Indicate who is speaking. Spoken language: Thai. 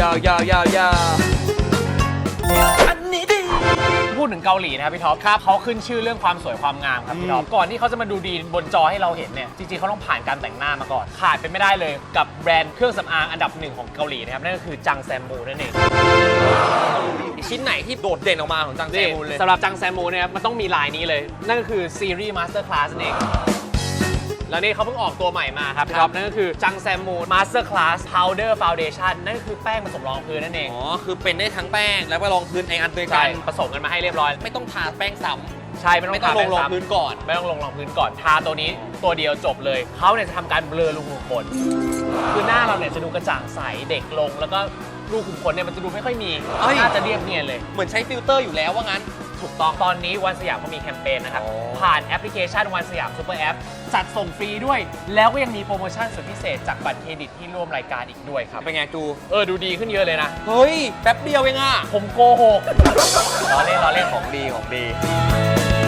Speaker 1: ยาวอันนี้ดีพูดถึงเกาหลีนะครับพี่ท็อปครับเขาขึ้นชื่อเรื่องความสวยความงามครับพี่ท็อปก่อนที่เขาจะมาดูดีบนจอให้เราเห็นเนี่ยจริงๆเขาต้องผ่านการแต่งหน้ามาก่อนขาดเป็นไม่ได้เลยกับแบรนด์เครื่องสำอางอันดับหนึ่งของเกาหลีนะครับนั่นก็คือจังแซมมูนั่นเอง
Speaker 2: ชิ้นไหนที่โดดเด่นออกมาของจังแซมมูเลย
Speaker 1: สำหรับจังแซมมูเนี่ยมันต้องมีลายนี้เลยนั่นก็คือซีรีส์มาสเตอร์คลาสนั่นเองแล้วนี่เขาเพิ่งออกตัวใหม่มาครับพี่ท็อปนั่นก็คือจังแซมมูมาสเตอร์คลาสพาวเดอร์ฟาวเดชั่นนั่นก็คือแป้งผสมรองพื้นนั่นเอง
Speaker 2: อ๋อคือเป็นได้ทั้งแป้งแล้วก็รองพื้นในอันเดียวกั
Speaker 1: ใช่
Speaker 2: น
Speaker 1: ผสมกันมาให้เรียบร้อย
Speaker 2: ไม่ต้องทาแป้งซ้ำ
Speaker 1: ใช่ไม่ต้อง
Speaker 2: ลงพื้นก่อน
Speaker 1: ไม่ต้องลงรองพื้นก่อนทาตัวนี้ตัวเดียวจบเลยเขาเนี่ยจะทำการเบลอรูขุมขนคือหน้าเราเนี่ยจะดูกระจ่างใสเด็กลงแล้วก็รูขุมขนเนี่ยมันจะดูไม่ค่อยมีน่าจะเรียบเนียนเลย
Speaker 2: เหมือนใช้ฟิลเตอร์อยู่แล้วว่างั้น
Speaker 1: ถูกต้องตอนนี้วันสยามเขามีแคมเปญนะครับผ่านแอปพลิเคชันวันสยามซูเปอร์แอปจัดส่งฟรีด้วยแล้วก็ยังมีโปรโมชั่นสุดพิเศษจากบัตรเครดิตที่ร่วมรายการอีกด้วยครับ
Speaker 2: เป็นไงจู
Speaker 1: ดูดีขึ้นเยอะเลยนะ
Speaker 2: เฮ้ยแป๊บเดียวเองอ่ะ
Speaker 1: ผมโกหกล้อเล่น
Speaker 2: ของดี